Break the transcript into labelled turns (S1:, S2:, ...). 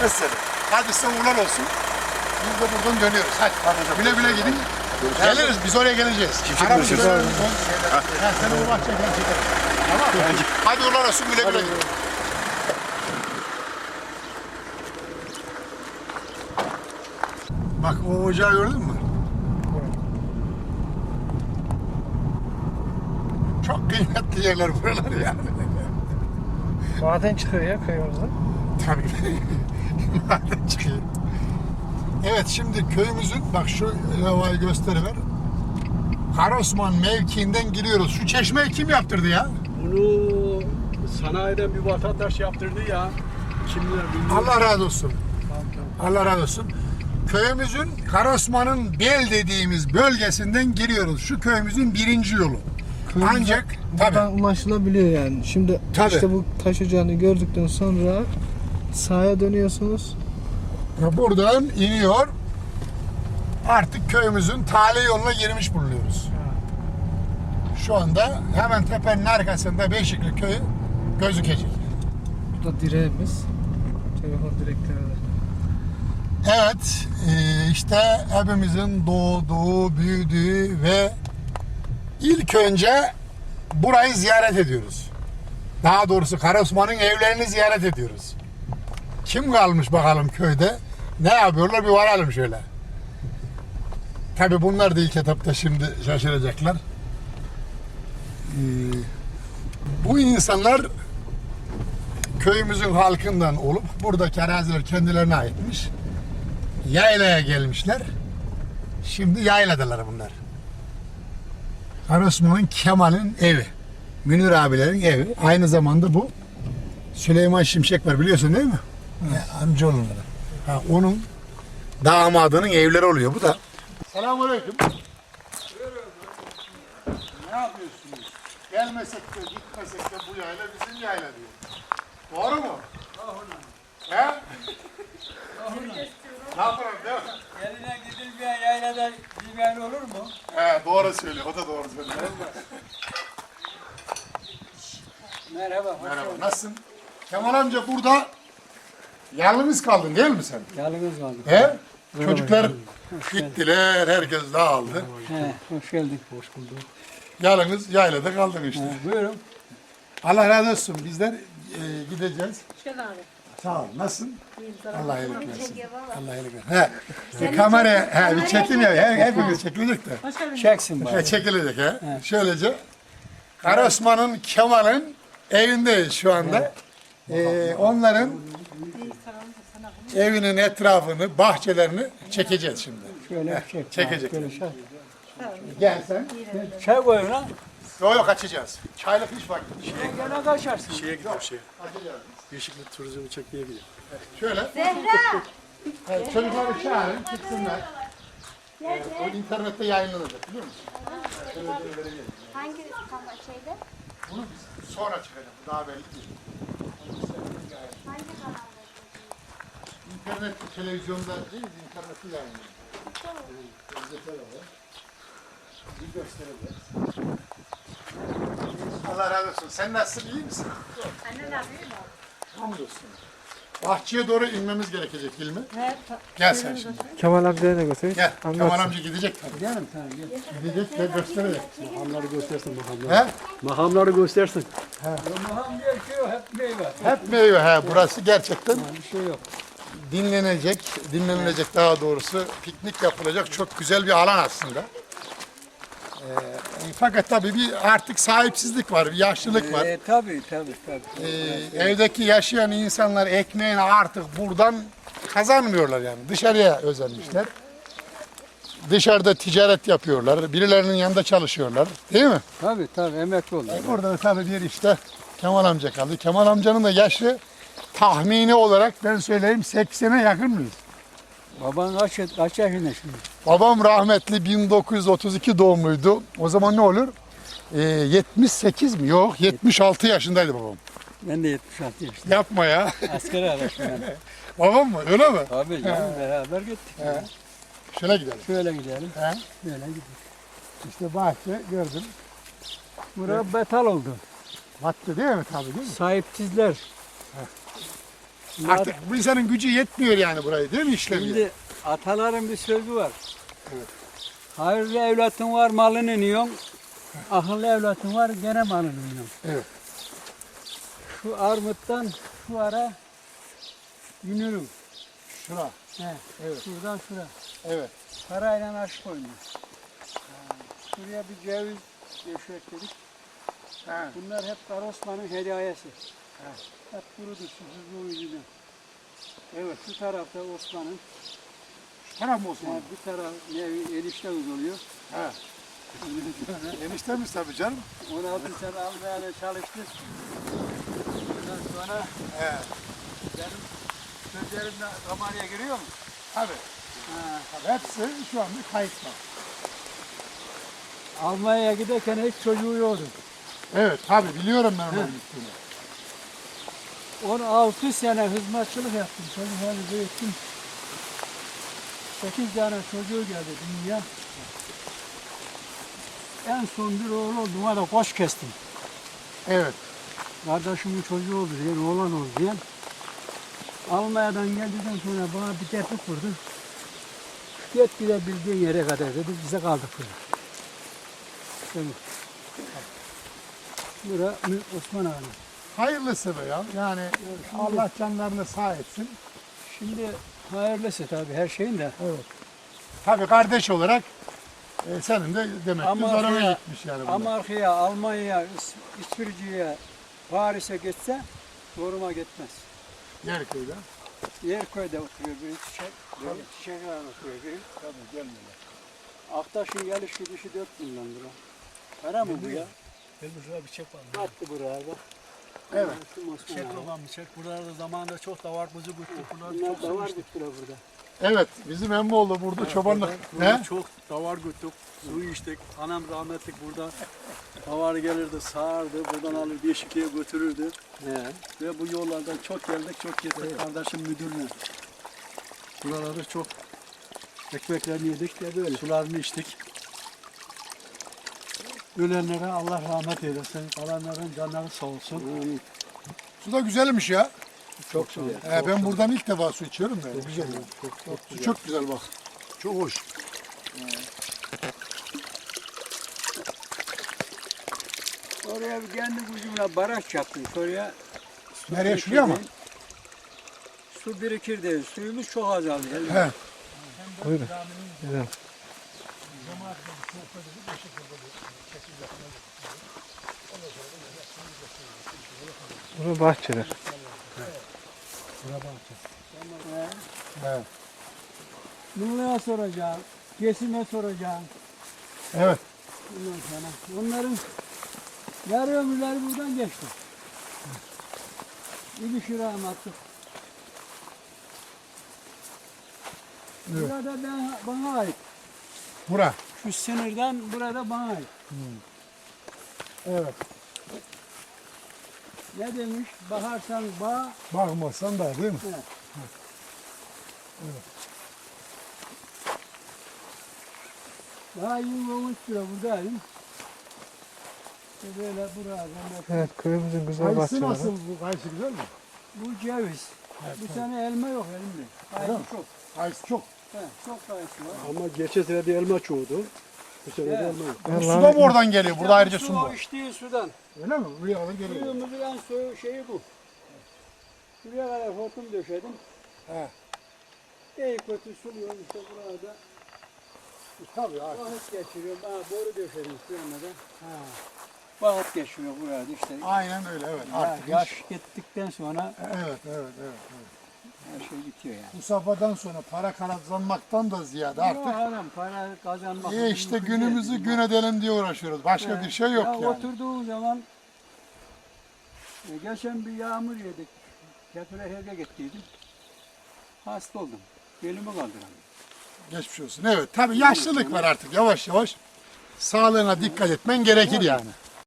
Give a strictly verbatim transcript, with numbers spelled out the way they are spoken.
S1: etmez seni.
S2: Hadi size uğurlar olsun. Biz de buradan dönüyoruz. Hadi. Güle güle gidin. Geliriz. Biz oraya geleceğiz. Aramızda döneriz. Ha, seni uğurlar çeker çekerim. Tamam mı? Hadi uğurlar olsun. Güle güle gidin. Bak o ocağı gördün mü? Çok kıymetli yerler buralar yani.
S3: Maden çıkıyor ya köyümüzden.
S2: Tabii. Maden çıkıyor. Evet şimdi köyümüzün bak şu levhayı gösteriver. Karosman mevkiinden giriyoruz. Şu çeşmeyi kim yaptırdı ya?
S1: Bunu sanayiden bir vatandaş yaptırdı ya. Kimler bilmiyorum.
S2: Allah razı olsun.
S1: Tamam, tamam.
S2: Allah razı olsun. Köyümüzün Karosman'ın Bel dediğimiz bölgesinden giriyoruz. Şu köyümüzün birinci yolu. Ancak tabii.
S3: Buradan ulaşılabiliyor yani. Şimdi
S2: Tabii.
S3: işte bu taş ocağını gördükten sonra sağa dönüyorsunuz.
S2: Buradan iniyor. Artık köyümüzün tali yoluna girmiş bulunuyoruz. Şu anda hemen tepenin arkasında Beşikli köyü gözükecek.
S3: Bu da direğimiz. Telefon direkleri de.
S2: Evet, e, işte hepimizin doğduğu, büyüdüğü ve ilk önce burayı ziyaret ediyoruz. Daha doğrusu Karosman'ın evlerini ziyaret ediyoruz. Kim kalmış bakalım köyde? Ne yapıyorlar bir varalım şöyle. Tabii bunlar da ilk etapta şimdi şaşıracaklar. Ee, bu insanlar köyümüzün halkından olup buradaki araziler kendilerine aitmiş. Yaylaya gelmişler. Şimdi yayladalar bunlar. Karosman'ın Kemal'in evi. Münir abilerin evi. Aynı zamanda bu Süleyman Şimşek var biliyorsun değil mi? Ya, amcaoğulları. Ha, onun damadının evleri oluyor bu da. Selamünaleyküm. Ne yapıyorsunuz? Gelmesek de gitmesek de bu yayla bizim yayla diyor. Doğru mu? He? Ne yapalım değil mi?
S4: Eline gidilmeyen yaylada bilmeyen olur mu?
S2: He, doğru söylüyor. O da doğru söylüyor.
S4: Merhaba, hoş
S2: Merhaba.
S4: geldin.
S2: Nasılsın? Kemal amca burada yalnız kaldın değil mi sen?
S4: Yalnız kaldık.
S2: He? Çocuklar gittiler, herkes dağıldı.
S4: He, hoş geldik. Hoş bulduk.
S2: Yalnız yaylada kaldın işte.
S4: He, buyurun.
S2: Allah razı olsun. Bizler e, gideceğiz.
S5: Hoş geldin abi.
S2: Sağ ol. Nasılsın?
S5: İyiyim, sana
S2: Allah
S5: hoş
S2: iyilik
S5: geldin.
S2: versin.
S5: Çekiyor valla.
S2: Allah iyilik versin. He. E, kamera, he, bir çekim ya. He, hepimiz çekilecek de.
S5: Hoş geldin.
S4: Çeksin
S2: He,
S4: bari.
S2: çekilecek he. Şöylece. Karosman'ın, Kemal'in evindeyiz şu anda. E, onların evinin etrafını, bahçelerini çekeceğiz şimdi.
S4: Şöyle çek.
S2: Çekecek.
S4: Şöyle çek.
S2: Gel sen.
S4: Çay koyun lan.
S2: Yok yok açacağız. Çaylık hiç vakti.
S4: Gene kaçarsın.
S1: Şeye gidiyor şeye. Yeşillik turizmi çekmeye gidiyor.
S2: Şöyle.
S5: Zehra.
S2: Evet, çocukları çağırın, çıksınlar. Evet, o internette yayınlanacak biliyor musun?
S5: Hangi kamera şeyde?
S2: Bunu biz sonra çıkacak. Daha belli değil.
S5: Hangi kanalda?
S2: İnternet, televizyonda değil, internette yayınlanacak. Gazeteler var. Bir göstereceğiz. Allah razı olsun. Sen nasılsın, iyi misin?
S5: Anne ne yapıyor mu?
S2: Hamdolsun. Bahçeye doğru inmemiz gerekecek İlmi.
S5: Evet.
S2: Gel sen şimdi.
S3: Kemal abiye de götür.
S2: Gel. Kemal
S3: Anlatsın.
S2: amca gidecek tabii.
S4: Gidelim tamam gel.
S2: Gidecek ve gösterecek.
S1: Mahamları göstersin mahamları.
S2: He?
S1: Mahamları göstersin.
S4: Maham diye bir şey yok, hep meyve.
S2: Hep meyve. He, burası gerçekten
S4: Bir şey yok.
S2: dinlenecek, dinlenilecek daha doğrusu piknik yapılacak çok güzel bir alan aslında. Ee, fakat tabii bir artık sahipsizlik var, bir yaşlılık var.
S4: Ee, tabii tabii tabii.
S2: Ee, evdeki yaşayan insanlar ekmeğini artık buradan kazanmıyorlar yani. Dışarıya özenmişler. Dışarıda ticaret yapıyorlar, birilerinin yanında çalışıyorlar, değil mi?
S4: Tabii tabii emekli oldu.
S2: Burada da tabii bir işte Kemal amca kaldı. Kemal amcanın da yaşı tahmini olarak ben söyleyeyim seksene yakın mıyız?
S4: Baban kaç, kaç yaşında şimdi?
S2: Babam rahmetli bin dokuz yüz otuz iki doğumluydu. O zaman ne olur? Ee, yetmiş sekiz mi? Yok, yetmiş altı yaşındaydı babam.
S4: Ben de yetmiş altı yaşındayım.
S2: Yapma ya.
S4: Askere araştım ben.
S2: Babam mı? Öyle mi?
S4: Tabii canım beraber gittik.
S2: He. Şöyle gidelim.
S4: Şöyle gidelim.
S2: He.
S4: Böyle gidelim.
S2: İşte bahçe gördüm.
S4: Burası betal oldu.
S2: Battı değil mi tabii değil mi?
S4: Sahipsizler.
S2: Artık bu insanın gücü yetmiyor yani burayı değil mi işlemiyor?
S4: Şimdi ataların bir sözü var. Hayırlı evlatın var malını yiyorsun. Akıllı evlatın var gene malını yiyorsun.
S2: Evet.
S4: Şu armuttan şu ara yünürüm.
S2: Şura.
S4: He.
S2: Evet.
S4: Şuradan şura.
S2: Evet.
S4: Parayla aşık oynuyor. Şuraya bir ceviz döşekledik.
S2: Ha.
S4: Bunlar hep Kara Osman'ın hediyesi. Hep kurudu susuzluğu yüzünden. Evet, şu tarafta Osman'ın,
S2: Taraf mı Osman?
S4: yani bir taraf nevi enişte oluyor.
S2: Ha. Eniştemiz tabii canım.
S4: on altı sene almaya çalıştı. Ondan sonra
S2: He.
S4: benim sözlerimle kameraya giriyor mu?
S2: Tabii.
S4: Ha.
S2: Tabii. Hepsi şu anda kayıtlı.
S4: Almanya'ya giderken hiç çocuğu yoktu.
S2: Evet tabii biliyorum ben onun gittiğini.
S4: on altı sene hizmetçilik yaptım. Çocuklarını büyüttüm. sekiz tane çocuğu geldi dünya. En son bir oğlu oldu. Ona da koç kestim.
S2: Evet.
S4: Kardeşimin çocuğu oldu diye, oğlan oldu diye. Almanya'dan geldikten sonra bana bir tepki kurdu. Git gidebildiğin yere kadar dedi, bize kaldık burada. Şimdi, bura Osman Ağa'nın.
S2: Hayırlısı be ya. Yani Allah canlarını sağ etsin.
S4: Şimdi hayırlısı tabii her şeyin de.
S2: Evet. Tabii kardeş olarak e, senin de demek ki
S4: Amerika'ya-
S2: zoruna gitmiş yani bunlar.
S4: Amerika'ya, Almanya'ya, İs- İsviçre'ye, Paris'e gitse zoruma gitmez.
S2: Yerköy'de.
S4: Yerköy'de oturuyor biri, çiçek, biri çiçeklerle oturuyor biri.
S2: Tabii gelmiyorlar.
S4: Aktaş'ın geliş gidişi dört milyon lira. Para mı bu ya?
S1: Benim şurada bir çek var.
S4: Attı buraya da.
S2: Evet.
S4: Şu Osman
S1: Çek
S4: Ağa.
S1: babam bir çek. Buralarda zamanında çok da var kuzu güttük. Bunlar
S4: Bunlar
S1: çok
S4: da var
S1: sevmiştik.
S4: bittiler burada.
S2: Evet. Bizim Emmoğlu burada çobanlık.
S1: Burada
S2: He?
S1: çok davar güttük. Su içtik. Anam rahmetlik burada davar gelirdi, sağardı. Buradan alır Beşikli'ye götürürdü.
S4: He.
S1: Ve bu yollardan çok geldik, çok gittik. Kardeşim müdürle. Buraları çok ekmeklerini yedik de böyle. Sularını içtik. Ölenlere Allah rahmet eylesin. Kalanların canları sağ olsun.
S4: Amin.
S2: Su da güzelmiş ya.
S1: Çok sağ olun.
S2: He, ben buradan ilk defa su içiyorum da. Güzel. ya.
S1: Çok, çok
S2: Su çok güzel bak. Çok hoş.
S4: Oraya bir kendi gücümle baraj yaptım. Oraya su
S2: Nereye,
S4: birikir
S2: şuraya mı?
S4: değil. Su birikir değil. Suyumuz çok azaldı.
S2: He.
S3: Buyurun. Güzel. Bunu bahçeler.
S2: Evet.
S4: Nurlu'ya soracağım. Kesime soracağım.
S2: Evet.
S4: Ondan sonra onların yarı ömürleri buradan geçti. Bir şuraya attık.
S2: Evet.
S4: Burada ben, bana ait.
S2: Bura.
S4: Şu sınırdan burada bana ait.
S2: Evet.
S4: Ne demiş? Bakarsan bağ,
S2: Bakmazsan da değil mi?
S4: daha yirmi on üç lira buradayım. İşte böyle burada.
S3: Evet, köyümüzün güzel
S2: Kayısı
S3: bahçeleri.
S2: nasıl bu? Kayısı güzel mi?
S4: Bu ceviz. Bu sene elma yok elimde. Kayısı çok.
S2: Kayısı çok.
S4: He, çok kayısı var.
S1: Ama geçen sene de elma çoğudu. Bu sene de
S4: Evet.
S1: elma yok.
S2: Bu su da mı oradan geliyor? Burada ayrıca su
S4: Su
S2: mu
S4: o
S2: var?
S4: içtiği sudan.
S2: Öyle mi? Buraya alır geliyor.
S4: Suyumuzun en su şeyi bu. Şuraya kadar hortum döşedim.
S2: He.
S4: İyi kötü suluyorum işte burada.
S2: Tabii abi.
S4: Vakit geçiriyorum. Aa, boru döşedim suyuna da. Ha. Vakit geçiyor burada işte.
S2: Aynen öyle evet.
S4: Ya,
S2: Artık
S4: yaş
S2: iş-
S4: gittikten sonra
S2: Evet, evet, evet. evet.
S4: her şey bitiyor yani.
S2: Bu safhadan sonra para kazanmaktan da ziyade
S4: Artık
S2: artık
S4: adam para kazanmak.
S2: e işte
S4: mümkün
S2: günümüzü
S4: değil.
S2: gün edelim diye uğraşıyoruz. Başka
S4: He.
S2: bir şey yok
S4: ya
S2: yani.
S4: Oturduğu zaman e, geçen bir yağmur yedik. Kepire evde gittiydim. Hasta oldum. Belimi kaldıramıyorum.
S2: Geçmiş olsun. Evet tabii yaşlılık var artık yavaş yavaş. Sağlığına dikkat etmen gerekir yani.